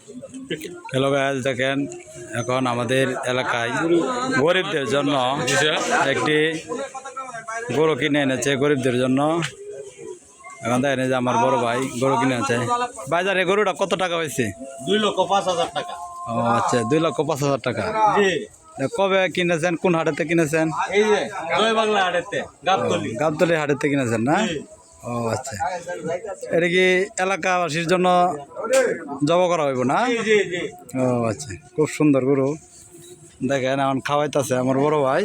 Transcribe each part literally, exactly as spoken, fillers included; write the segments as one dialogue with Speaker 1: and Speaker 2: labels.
Speaker 1: Hello guys, দেখেন এখন আমাদের এলাকায় গরিবদের জন্য একটি গরু কিনে এনেছে। গরিবদের জন্য এখন দেখেন যে আমার বড় ভাই গরু কিনে আছে। বাজারে গরুটা কত টাকা হয়েছে?
Speaker 2: দুই লক্ষ পাঁচ হাজার টাকা।
Speaker 1: ও আচ্ছা, দুই লক্ষ পাঁচ হাজার টাকা।
Speaker 2: জি।
Speaker 1: কবে কিনেছেন? কোন হাটেতে কিনেছেন?
Speaker 2: এই যে জয় বাংলা হাটেতে গাবতলী।
Speaker 1: গাবতলী হাটেতে কিনেছেন না? ও আচ্ছা, এটা কি এলাকাবাসীর জন্য জব করা হইব না?
Speaker 2: জি জি।
Speaker 1: ও আচ্ছা, খুব সুন্দর গরু। দেখেন এখন খাওয়াইতেছে আমার বড় ভাই।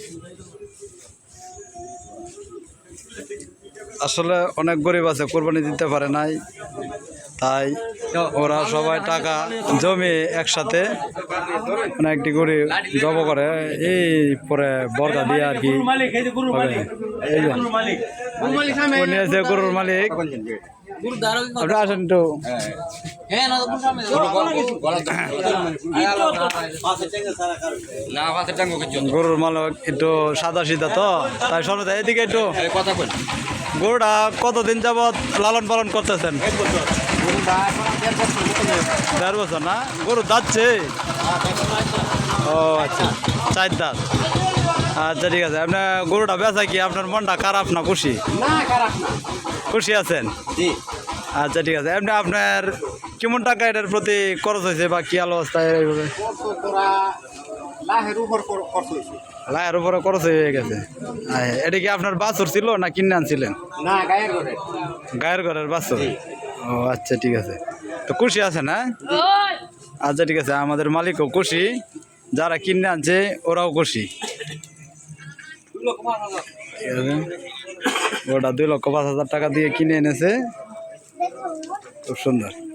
Speaker 1: আসলে অনেক গরিব আছে, কোরবানি দিতে পারে নাই, তাই ওরা সবাই টাকা জমি একসাথে মানে একটি গরিব জব করে, এই পরে বর্গা দিয়ে আর কি। এই যে উনি আছে গরুর মালিক। আপনি আসেন একটু। গরুর মালিক একটু সাদা সিধা তো, তাই সরতে এদিকে একটু কথা বল। গরুটা কতদিন যাবৎ লালন পালন করতেছেন? দেড় বছর না? গরু যাচ্ছে? ও আচ্ছা, চার দাঁত। আচ্ছা ঠিক আছে। আপনার গরুটা বেচা কি আপনার মনটা খারাপ না খুশি? খুশি আছেন? আচ্ছা ঠিক আছে। এমনি আপনার কেমন টাকা এটার প্রতি খরচ হয়েছে বা কি অবস্থায়? এইভাবে লাইয়ের উপরে খরচ হয়ে গেছে। এটা কি আপনার বাছুর ছিল না কিনে আনছিলেন? গায়ের ঘরের বাছুর। ও আচ্ছা ঠিক আছে। তো খুশি আছে না? আচ্ছা ঠিক আছে, আমাদের মালিকও খুশি, যারা কিনে আনছে ওরাও খুশি। ওটা দুই লক্ষ পাঁচ হাজার টাকা দিয়ে কিনে এনেছে, খুব সুন্দর।